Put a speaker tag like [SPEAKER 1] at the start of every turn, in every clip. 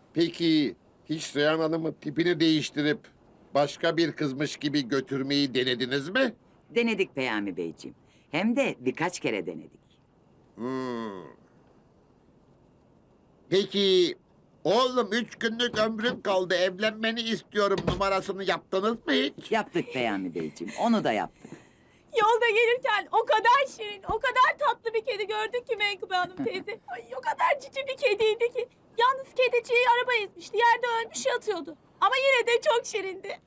[SPEAKER 1] Peki hiç Reyhan Hanım'ın tipini değiştirip başka bir kızmış gibi götürmeyi denediniz mi?
[SPEAKER 2] Denedik Peyami Beyciğim. Hem de birkaç kere denedik.
[SPEAKER 1] Peki oğlum 3 günlük ömrüm kaldı evlenmeni istiyorum numarasını yaptınız mı hiç?
[SPEAKER 2] Yaptık Peyami Beyciğim, onu da yaptık.
[SPEAKER 3] Yolda gelirken o kadar şirin, o kadar tatlı bir kedi gördük ki Menkıbe Hanım teyze. Ay, o kadar cici bir kediydi ki. Yalnız kediciyi araba ezmişti, yerde ölmüş yatıyordu. Ama yine de çok şirindi.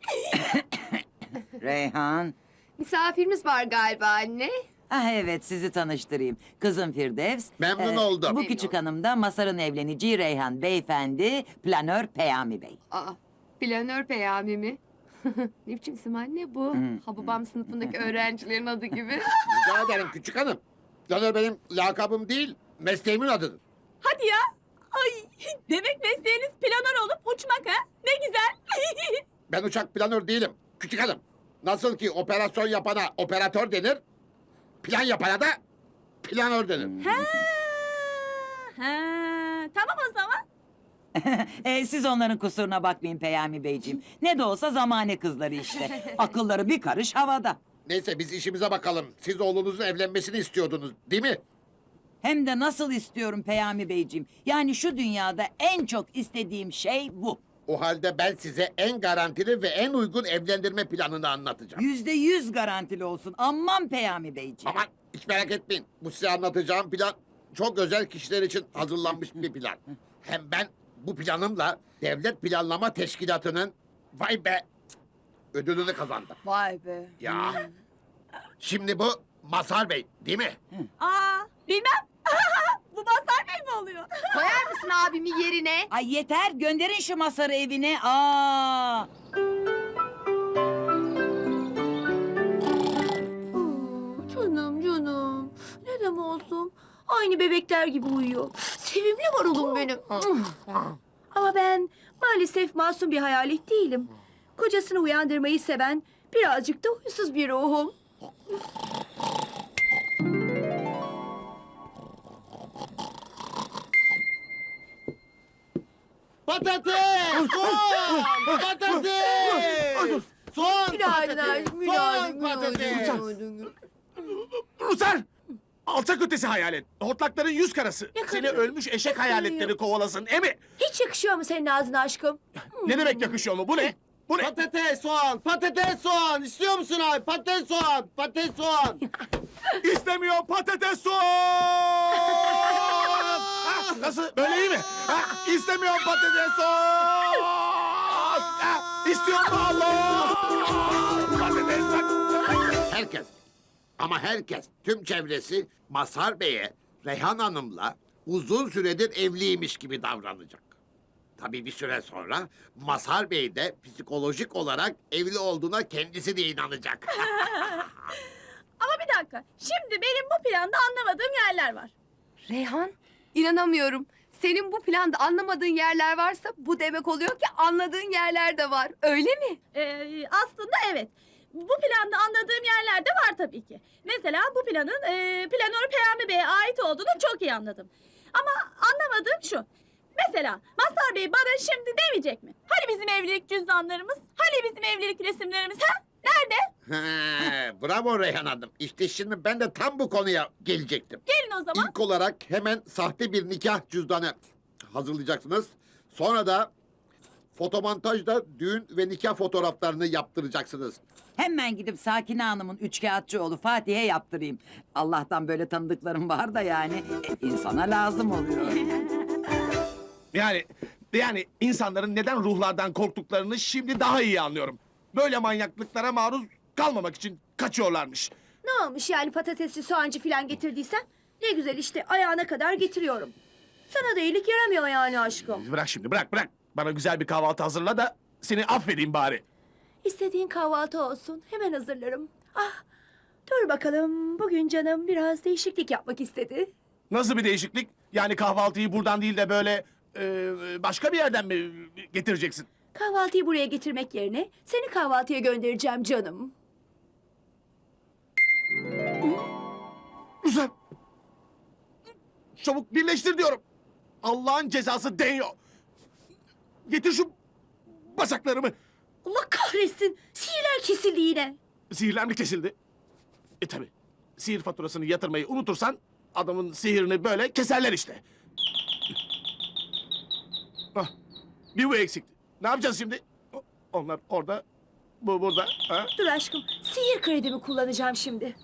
[SPEAKER 2] Reyhan.
[SPEAKER 4] Misafirimiz var galiba anne.
[SPEAKER 2] Ah evet, sizi tanıştırayım. Kızım Firdevs.
[SPEAKER 1] Memnun oldum.
[SPEAKER 2] Bu küçük hanım da Masar'ın evleneceği Reyhan beyefendi, planör Peyami Bey.
[SPEAKER 4] Aa, planör Peyami mi? Ne biçim isim anne bu? Hababam sınıfındaki öğrencilerin adı gibi.
[SPEAKER 1] Rica ederim küçük hanım. Planör benim lakabım değil, mesleğimin adıdır.
[SPEAKER 3] Hadi ya. Ay, demek mesleğiniz planör olup uçmak ha? Ne güzel.
[SPEAKER 1] Ben uçak planör değilim küçük hanım. Nasıl ki operasyon yapana operatör denir, plan yapana da planör denir.
[SPEAKER 3] ha, tamam o zaman.
[SPEAKER 2] Siz onların kusuruna bakmayın Peyami Beyciğim. Ne de olsa zamane kızları işte. Akılları bir karış havada.
[SPEAKER 1] Neyse biz işimize bakalım. Siz oğlunuzun evlenmesini istiyordunuz değil mi?
[SPEAKER 2] Hem de nasıl istiyorum Peyami Beyciğim. Yani şu dünyada en çok istediğim şey bu.
[SPEAKER 1] O halde ben size en garantili ve en uygun evlendirme planını anlatacağım.
[SPEAKER 2] %100 garantili olsun. Aman Peyami Beyciğim.
[SPEAKER 1] Aman hiç merak etmeyin. Bu size anlatacağım plan çok özel kişiler için hazırlanmış bir plan. Hem ben bu planımla Devlet Planlama Teşkilatı'nın vay be ödülünü kazandım.
[SPEAKER 4] Vay be.
[SPEAKER 1] Ya. Şimdi bu Mazhar Bey değil mi?
[SPEAKER 3] Aa, bilmem. Bu Mazhar Bey mi oluyor?
[SPEAKER 4] Koyar mısın abimi yerine?
[SPEAKER 2] Ay yeter, gönderin şu Masar'ı evine. Aa!
[SPEAKER 3] Canım canım. Neden olsun? Aynı bebekler gibi uyuyor. Sevimli marulum benim. Ama ben maalesef masum bir hayalet değilim. Kocasını uyandırmayı seven birazcık da huysuz bir ruhum.
[SPEAKER 5] Patates! Soğan! Patates! Soğan
[SPEAKER 3] Günaydın
[SPEAKER 5] patates!
[SPEAKER 3] aşkım,
[SPEAKER 5] Soğan
[SPEAKER 3] günaydın,
[SPEAKER 5] patates!
[SPEAKER 6] Rusar! Alçak ötesi hayalet. Hortlakların yüz karası. Seni ölmüş eşek hayaletleri kovalasın. Emi!
[SPEAKER 3] Hiç yakışıyor mu senin ağzına aşkım?
[SPEAKER 6] Ne demek yakışıyor mu? Bu ne? Bu ne?
[SPEAKER 5] Patates, soğan! Patates, soğan! İstiyor musun abi? Patates, soğan! Patates, soğan!
[SPEAKER 6] İstemiyor patates soğan! Ha, nasıl? Böyle iyi mi? Ha, istemiyor patates soğan! Ha, istiyorum Allah! Patates soğan!
[SPEAKER 1] Herkes ama herkes tüm çevresi Mazhar Bey'e Reyhan Hanım'la uzun süredir evliymiş gibi davranacak. Tabii bir süre sonra Mazhar Bey de psikolojik olarak evli olduğuna kendisi de inanacak.
[SPEAKER 3] Ama bir dakika. Şimdi benim bu planda anlamadığım yerler var.
[SPEAKER 4] Reyhan, inanamıyorum. Senin bu planda anlamadığın yerler varsa bu demek oluyor ki anladığın yerler de var. Öyle mi?
[SPEAKER 3] Aslında evet. Bu planda anladığım yerler de var tabii ki. Mesela bu planın planör Peyami Bey'e ait olduğunu çok iyi anladım. Ama anlamadığım şu. Mesela Mazhar Bey bana şimdi demeyecek mi? Hani bizim evlilik cüzdanlarımız? Hani bizim evlilik resimlerimiz? Ha? Nerede?
[SPEAKER 1] He, bravo Reyhan Hanım. İşte şimdi ben de tam bu konuya gelecektim.
[SPEAKER 3] Gelin o zaman.
[SPEAKER 1] İlk olarak hemen sahte bir nikah cüzdanı hazırlayacaksınız. Sonra da fotomontajda düğün ve nikah fotoğraflarını yaptıracaksınız.
[SPEAKER 2] Hemen gidip Sakine Hanım'ın üçkağıtçı oğlu Fatih'e yaptırayım. Allah'tan böyle tanıdıklarım var da yani insana lazım oluyor.
[SPEAKER 6] Yani insanların neden ruhlardan korktuklarını şimdi daha iyi anlıyorum. Böyle manyaklıklara maruz kalmamak için kaçıyorlarmış.
[SPEAKER 3] Ne olmuş yani patatesli soğancı falan getirdiysen? Ne güzel işte ayağına kadar getiriyorum. Sana da iyilik yaramıyor yani aşkım.
[SPEAKER 6] Bırak şimdi bırak. Bana güzel bir kahvaltı hazırla da seni affedeyim bari.
[SPEAKER 3] İstediğin kahvaltı olsun. Hemen hazırlarım. Ah, dur bakalım. Bugün canım biraz değişiklik yapmak istedi.
[SPEAKER 6] Nasıl bir değişiklik? Yani kahvaltıyı buradan değil de böyle başka bir yerden mi getireceksin?
[SPEAKER 3] Kahvaltıyı buraya getirmek yerine seni kahvaltıya göndereceğim canım.
[SPEAKER 6] Güzel. Çabuk birleştir diyorum. Allah'ın cezası değiyor. Getir şu bacaklarımı.
[SPEAKER 3] Allah kahretsin. Sihirler kesildi yine.
[SPEAKER 6] Sihirler mi kesildi? Tabi. Sihir faturasını yatırmayı unutursan adamın sihirini böyle keserler işte. Ah, bir bu eksikti. Ne yapacağız şimdi? Onlar orada, bu burada. Ha?
[SPEAKER 3] Dur aşkım. Sihir kredimi kullanacağım şimdi.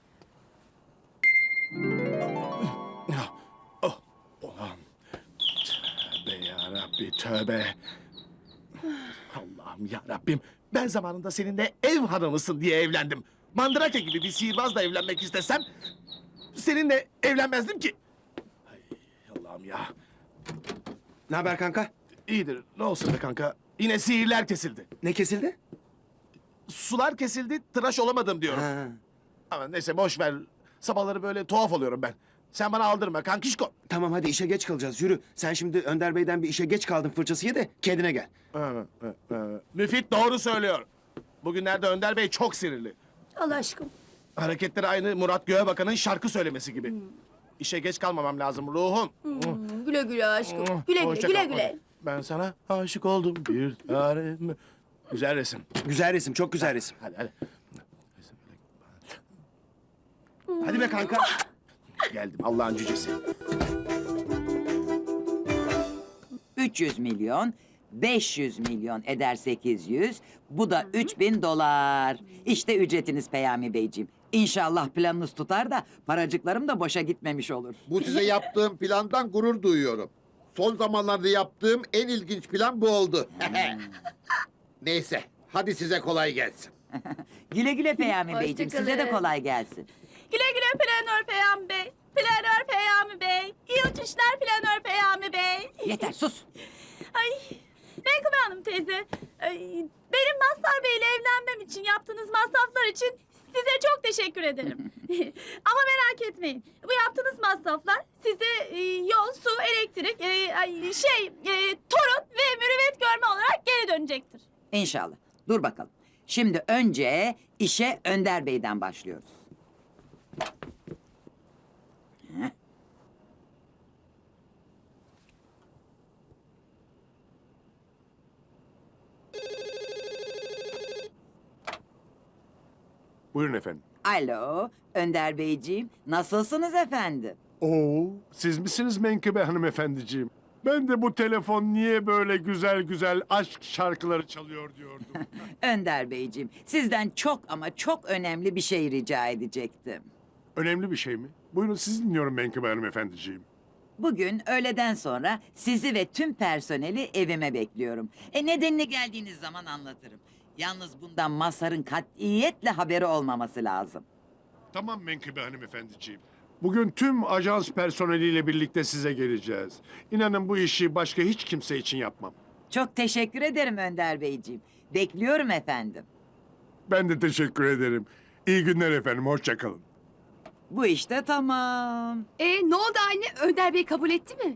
[SPEAKER 6] Oh, ulan. Tövbe yarabbi tövbe. Allah'ım yarabbim. Ben zamanında seninle ev hanımısın diye evlendim. Mandrake gibi bir sihirbazla evlenmek istesem... ...seninle evlenmezdim ki. Ay, Allah'ım ya.
[SPEAKER 5] Ne haber kanka?
[SPEAKER 6] İyidir. Ne olsun be kanka. Yine sihirler kesildi.
[SPEAKER 5] Ne kesildi?
[SPEAKER 6] Sular kesildi, tıraş olamadım diyorum.
[SPEAKER 5] Ha.
[SPEAKER 6] Ama neyse boş ver. Sabahları böyle tuhaf oluyorum ben. Sen bana aldırma kankişko.
[SPEAKER 5] Tamam hadi işe geç kalacağız yürü. Sen şimdi Önder Bey'den bir işe geç kaldın fırçası ye de kendine gel.
[SPEAKER 6] Müfit doğru söylüyor. Bugünlerde Önder Bey çok sinirli.
[SPEAKER 3] Allah aşkım.
[SPEAKER 6] Hareketleri aynı Murat Göğebakan'ın şarkı söylemesi gibi. İşe geç kalmamam lazım ruhum.
[SPEAKER 3] Güle güle aşkım. Güle güle
[SPEAKER 6] Hoşça
[SPEAKER 3] güle
[SPEAKER 6] kal.
[SPEAKER 3] güle.
[SPEAKER 6] Ben sana aşık oldum bir tanem. Güzel resim.
[SPEAKER 5] Güzel resim çok güzel resim.
[SPEAKER 6] Hadi.
[SPEAKER 5] Hadi be kanka.
[SPEAKER 6] Geldim Allah'ın cücesi.
[SPEAKER 2] 300 milyon, 500 milyon eder 800. Bu da 3000 dolar. İşte ücretiniz Peyami Beyciğim. İnşallah planınız tutar da paracıklarım da boşa gitmemiş olur.
[SPEAKER 1] Bu size yaptığım plandan gurur duyuyorum. Son zamanlarda yaptığım en ilginç plan bu oldu. Neyse, hadi size kolay gelsin.
[SPEAKER 2] Güle güle Peyami
[SPEAKER 3] Hoşça
[SPEAKER 2] Beyciğim. Size de
[SPEAKER 3] kalın.
[SPEAKER 2] kolay gelsin.
[SPEAKER 3] Güle güle Planör Peyami Bey. Planör Peyami Bey. İyi uçuşlar Planör Peyami Bey.
[SPEAKER 2] Yeter sus.
[SPEAKER 3] Ay, Menkıbe Hanım teyze. Ay, benim Mazhar Bey ile evlenmem için yaptığınız masraflar için size çok teşekkür ederim. Ama merak etmeyin. Bu yaptığınız masraflar size yol, su, elektrik, torun ve mürüvvet görme olarak geri dönecektir.
[SPEAKER 2] İnşallah. Dur bakalım. Şimdi önce işe Önder Bey'den başlıyoruz. Heh.
[SPEAKER 7] Buyurun efendim.
[SPEAKER 2] Alo, Önder Beyciğim. Nasılsınız efendim?
[SPEAKER 7] Oo, siz misiniz Menkıbe hanımefendiciğim? Ben de bu telefon niye böyle güzel güzel aşk şarkıları çalıyor diyordum.
[SPEAKER 2] Önder Beyciğim, sizden çok ama çok önemli bir şey rica edecektim.
[SPEAKER 7] Önemli bir şey mi? Buyurun sizi dinliyorum Menkıbe hanımefendiciğim.
[SPEAKER 2] Bugün öğleden sonra sizi ve tüm personeli evime bekliyorum. Nedenini geldiğiniz zaman anlatırım. Yalnız bundan Mazhar'ın katiyetle haberi olmaması lazım.
[SPEAKER 7] Tamam Menkıbe hanımefendiciğim. Bugün tüm ajans personeliyle birlikte size geleceğiz. İnanın bu işi başka hiç kimse için yapmam.
[SPEAKER 2] Çok teşekkür ederim Önder Beyciğim. Bekliyorum efendim.
[SPEAKER 7] Ben de teşekkür ederim. İyi günler efendim, hoşça kalın.
[SPEAKER 2] Bu işte tamam.
[SPEAKER 4] Ne oldu anne? Önder Bey kabul etti mi?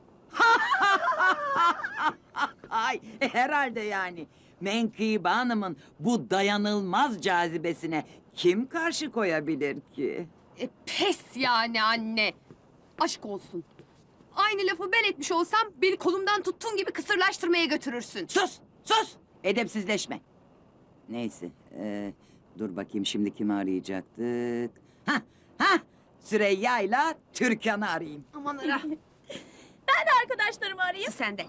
[SPEAKER 2] Ay herhalde yani. Menkıbe Hanım'ın bu dayanılmaz cazibesine kim karşı koyabilir ki?
[SPEAKER 4] Pes yani anne. Aşk olsun. Aynı lafı ben etmiş olsam beni kolumdan tuttuğun gibi kısırlaştırmaya götürürsün.
[SPEAKER 2] Sus, sus. Edepsizleşme. Neyse, dur bakayım şimdi kimi arayacaktık? Ha, Süreyya'yla Türkan'ı arayayım.
[SPEAKER 4] Aman ara.
[SPEAKER 3] Ben de arkadaşlarımı arayayım.
[SPEAKER 4] Sen de.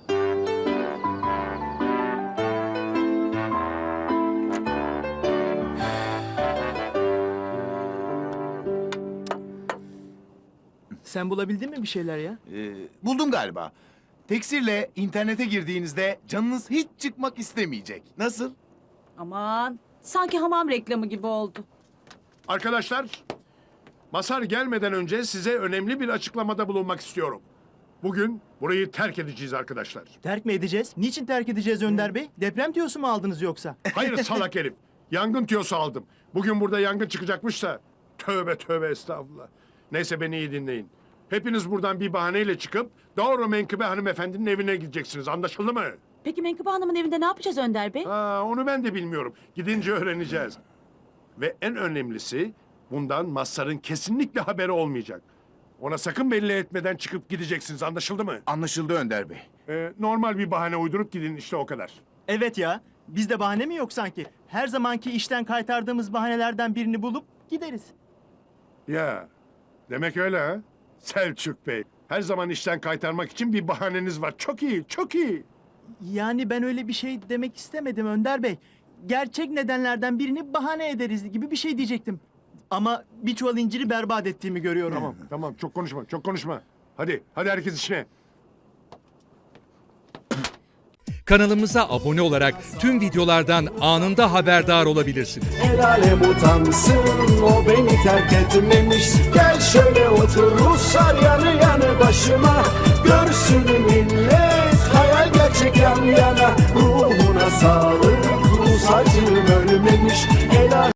[SPEAKER 8] Sen bulabildin mi bir şeyler ya?
[SPEAKER 9] Buldum galiba. Teksirle internete girdiğinizde canınız hiç çıkmak istemeyecek. Nasıl?
[SPEAKER 3] Aman, sanki hamam reklamı gibi oldu.
[SPEAKER 7] Arkadaşlar, Mazhar gelmeden önce size önemli bir açıklamada bulunmak istiyorum. Bugün burayı terk edeceğiz arkadaşlar.
[SPEAKER 8] Terk mi edeceğiz? Niçin terk edeceğiz Önder Bey? Deprem diyorsu mu aldınız yoksa?
[SPEAKER 7] Hayır salak herif. Yangın tiyosu aldım. Bugün burada yangın çıkacakmış da. Tövbe tövbe estağfurullah. Neyse beni iyi dinleyin. Hepiniz buradan bir bahaneyle çıkıp doğru Menkıbe hanımefendinin evine gideceksiniz. Anlaşıldı mı?
[SPEAKER 3] Peki Menkıbe Hanım'ın evinde ne yapacağız Önder Bey?
[SPEAKER 7] Onu ben de bilmiyorum. Gidince öğreneceğiz. Ve en önemlisi bundan Mazhar'ın kesinlikle haberi olmayacak. Ona sakın belli etmeden çıkıp gideceksiniz. Anlaşıldı mı?
[SPEAKER 9] Anlaşıldı Önder Bey.
[SPEAKER 7] Normal bir bahane uydurup gidin işte o kadar.
[SPEAKER 8] Evet ya. Bizde bahane mi yok sanki? Her zamanki işten kaytardığımız bahanelerden birini bulup gideriz.
[SPEAKER 7] Ya demek öyle ha? Selçuk Bey. Her zaman işten kaytarmak için bir bahaneniz var. Çok iyi, çok iyi.
[SPEAKER 8] Yani ben öyle bir şey demek istemedim Önder Bey. Gerçek nedenlerden birini bahane ederiz gibi bir şey diyecektim. Ama bir çuval inciri berbat ettiğimi görüyorum.
[SPEAKER 7] Tamam, tamam. Çok konuşma, çok konuşma. Hadi, hadi herkes işine.
[SPEAKER 10] Kanalımıza abone olarak tüm videolardan anında haberdar olabilirsiniz.
[SPEAKER 5] El alem utansın, o beni terk etmemiş. Gel şöyle otur Ruslar yanı yanı başıma. Görsün millet, hayal gerçek yan yana. Ruhuna sağlık, Rus acım ölmemiş. El alem